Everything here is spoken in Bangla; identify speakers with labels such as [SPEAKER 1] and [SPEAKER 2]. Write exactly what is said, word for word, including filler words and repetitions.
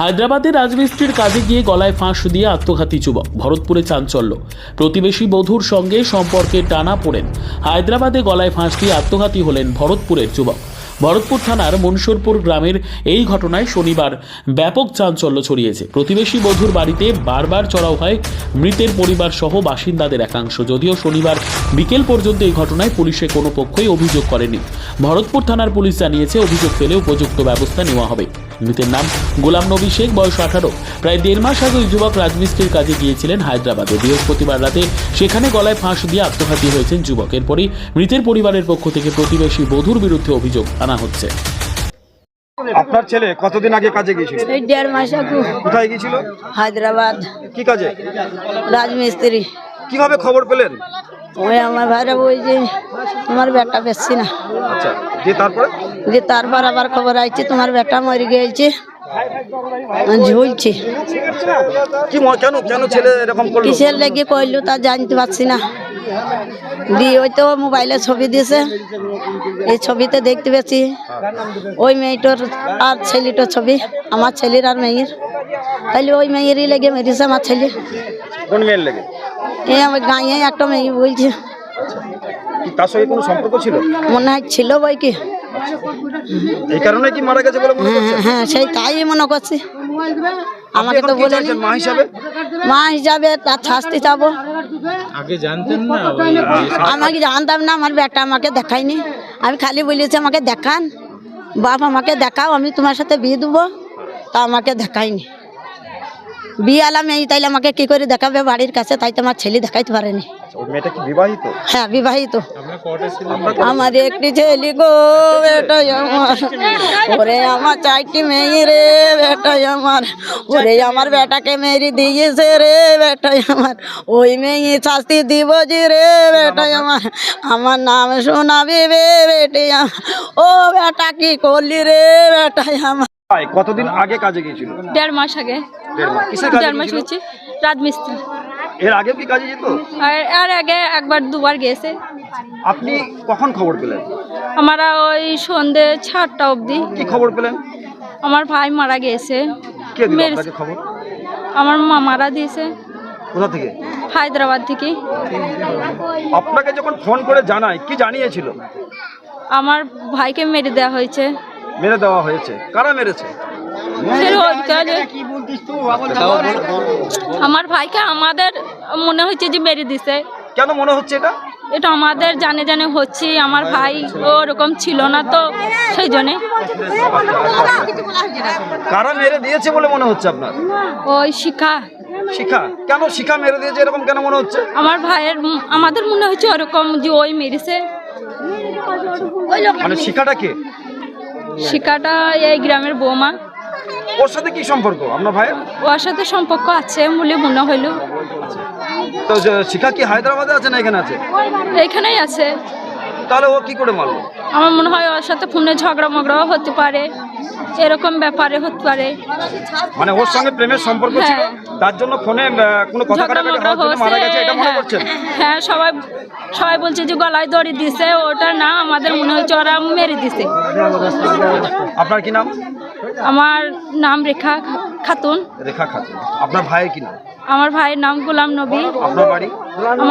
[SPEAKER 1] হায়দ্রাবাদের রাজমিস্ত্রির কাজে গিয়ে গলায় ফাঁস দিয়ে আত্মঘাতী যুবক। ভরতপুরে চাঞ্চল্য। প্রতিবেশী বধূর সঙ্গে সম্পর্কে টানা পড়েন হায়দ্রাবাদে গলায় ফাঁস দিয়ে আত্মঘাতী হলেন ভরতপুরের যুবক। ভরতপুর থানার মনসুরপুর গ্রামের এই ঘটনায় শনিবার ব্যাপক চাঞ্চল্য ছড়িয়েছে। প্রতিবেশী বধূর বাড়িতে বারবার চড়াও হয় মৃতের পরিবার সহ বাসিন্দাদের একাংশ। যদিও শনিবার বিকেল পর্যন্ত এই ঘটনায় পুলিশে কোনো পক্ষই অভিযোগ করেনি। ভরতপুর থানার পুলিশ জানিয়েছে, অভিযোগ পেলে উপযুক্ত ব্যবস্থা নেওয়া হবে। মৃতের নাম গোলাম নবী শেখ, বয়স আঠারো। প্রায় দেড় মাস আগে ওই যুবক রাজমিস্ত্রির কাজে গিয়েছিলেন হায়দ্রাবাদে। বৃহস্পতিবার রাতে সেখানে গলায় ফাঁস দিয়ে আত্মঘাতী হয়েছেন যুবক। এরপরই মৃতের পরিবারের পক্ষ থেকে প্রতিবেশী বধূর বিরুদ্ধে অভিযোগ আনা হচ্ছে।
[SPEAKER 2] আপনার ছেলে কতদিন আগে কাজে গিয়েছিল?
[SPEAKER 3] এই দেড় মাস আগে।
[SPEAKER 2] কোথায় গিয়েছিল?
[SPEAKER 3] হায়দ্রাবাদ।
[SPEAKER 2] কি কাজে?
[SPEAKER 3] রাজমিস্ত্রি।
[SPEAKER 2] কিভাবে খবর পেলেন?
[SPEAKER 3] ওই আমার ভাইরা বলছে তোমার বেটা বেশি না।
[SPEAKER 2] আচ্ছা, যে তারপরে
[SPEAKER 3] যে তারপর আবার খবর আইছে তোমার বেটা মরে গিয়েছে, ঝুলছে।
[SPEAKER 2] কি ম- কেন কেন ছেলে এরকম করলো?
[SPEAKER 3] কিসের লেগে কইলো তা জানতে পারছি না। দিয়ে ওই তো মোবাইলে ছবি দিয়েছে, এই ছবিতে দেখতে পেয়েছি ওই মেয়েটার আর ছেলেটার ছবি, আমার ছেলের আর মেয়ের। তাইলে ওই মেয়েরই লেগে মেরেছে আমার ছেলে।
[SPEAKER 2] কোন মেয়ের লেগে?
[SPEAKER 3] এই আমার গাঁয়ে একটা মেয়ে বলছে,
[SPEAKER 2] কি তার সঙ্গে কোনো সম্পর্ক ছিল?
[SPEAKER 3] মনে হয় ছিল বই কি।
[SPEAKER 2] এই কারণে কি মারা গেছে বলে মনে
[SPEAKER 3] হ্যাঁ
[SPEAKER 2] করছেন?
[SPEAKER 3] হ্যাঁ সেই তাই মনে করছি। আমাকে
[SPEAKER 2] আপনি
[SPEAKER 3] তো
[SPEAKER 2] এখন কি
[SPEAKER 3] বলেনি।
[SPEAKER 2] চাইছেন মা হিসাবে?
[SPEAKER 3] মা হিসাবে তার শাস্তি চাবো।
[SPEAKER 4] আগে জানতেন না?
[SPEAKER 3] আমাকে জানতাম না, আমার বেটা আমাকে দেখায়নি। আমি খালি বলেছি আমাকে দেখান, বাপ আমাকে দেখাও, আমি তোমার সাথে বিয়ে দেবো। তা আমাকে দেখায়নি। বিয়ে আলাম এই, তাইলে আমাকে কি করে দেখাবে বাড়ির কাছে? তাই তো আমার ছেলে দেখাইতে পারেনি।
[SPEAKER 2] ওই মেয়েটা কি বিবাহিত?
[SPEAKER 3] হ্যাঁ বিবাহিত।
[SPEAKER 4] আপনার কটা ছিলেন?
[SPEAKER 3] আমার একটি ছেলে গো, বেটাই আমার। ওরে আমার চারটি মেয়ে রে, বেটাই আমার। ওরে আমার বেটাকে মেরে দিয়েছে রে, বেটাই আমার। ওই মেয়ে শাস্তি দিব যে রে, বেটাই আমার। আমার নাম শোনাবি রে, বেটে আমার। ও বেটা কি করলি রে, বেটাই আমার।
[SPEAKER 2] ভাই, কতদিন আগে কাজে গিয়েছিল?
[SPEAKER 5] দেড় মাস আগে।
[SPEAKER 2] দেড় মাস। কিসের কাজে
[SPEAKER 5] দেড় মাস
[SPEAKER 2] গিয়েছিল?
[SPEAKER 5] হচ্ছে রাজমিস্ত্রি।
[SPEAKER 2] এর আগেও কি কাজে যেত?
[SPEAKER 5] আর আর আগে একবার দুবার গেছে।
[SPEAKER 2] আপনি কখন খবর পেলেন?
[SPEAKER 5] আমরা ওই সন্ধে সাতটা অবধি।
[SPEAKER 2] কি খবর পেলেন?
[SPEAKER 5] আমার ভাই মারা গেছে।
[SPEAKER 2] কে দিল
[SPEAKER 5] মেরে-
[SPEAKER 2] আপনাকে খবর?
[SPEAKER 5] আমার মা মারা দিয়েছে
[SPEAKER 2] কোথা থেকে?
[SPEAKER 5] হায়দ্রাবাদ থেকে।
[SPEAKER 2] আপনাকে যখন ফোন করে জানায় কি জানিয়েছিল?
[SPEAKER 5] আমার ভাইকে মেরে দেওয়া হয়েছে।
[SPEAKER 2] মেরে দেওয়া হয়েছে। কারা মেরেছে?
[SPEAKER 5] ফের ওই কালে আমার ভাইকে আমাদের মনে হচ্ছে যে মেরে দিছে।
[SPEAKER 2] কেন মনে হচ্ছে এটা?
[SPEAKER 5] এটা আমাদের জানে জানে হচ্ছে। আমার ভাই ওরকম ছিল না তো, সেই জন্যে।
[SPEAKER 2] কারা মেরে দিয়েছে বলে মনে হচ্ছে আপনার?
[SPEAKER 5] ওই শিখা
[SPEAKER 2] শিখা। কেন শিখা মেরে দিয়েছে এরকম কেন মনে হচ্ছে?
[SPEAKER 5] আমার ভাইয়ের উম, আমাদের মনে হচ্ছে ওরকম যে ওই মেরেছে।
[SPEAKER 2] মানে শিখাটা কে?
[SPEAKER 5] শিকাটা এই গ্রামের বৌমা।
[SPEAKER 2] ওর সাথে কি সম্পর্ক আপনার ভাইয়ের?
[SPEAKER 5] ওর সাথে সম্পর্ক আছে বলে মনে হইল।
[SPEAKER 2] তো যে শিখা কি হায়দ্রাবাদে আছে না এখানে আছে?
[SPEAKER 5] এইখানেই আছে।
[SPEAKER 2] তাহলে ও কি করে মারলো?
[SPEAKER 5] আমার মনে হয় ওর সাথে ফোনে ঝগড়া মগড়াও হতে পারে, এরকম ব্যাপারে হতে পারে।
[SPEAKER 2] মানে ওর সঙ্গে প্রেমের সম্পর্ক ছিল,
[SPEAKER 5] হ্যাঁ।
[SPEAKER 2] তার জন্য ফোনে আহ, কোনো কথা
[SPEAKER 5] ঝগড়া
[SPEAKER 2] কাটাকাটি
[SPEAKER 5] মগড়া
[SPEAKER 2] হওয়ার জন্য মারা গেছে এটা মনে
[SPEAKER 5] হ্যাঁ
[SPEAKER 2] করছেন?
[SPEAKER 5] হ্যাঁ, সবাই সবাই বলছে যে গলায় দড়ি দিছে, ওটা না, আমাদের মনে হচ্ছে ওরা মেরে দিছে।
[SPEAKER 2] আপনার কি নাম?
[SPEAKER 5] আমার নাম রেখা খাতুন।
[SPEAKER 2] রেখা খাতুন। আপনার ভাইয়ের কি নাম?
[SPEAKER 5] আমার ভাইয়ের নাম গোলাম নবী।
[SPEAKER 2] আপনার বাড়ি?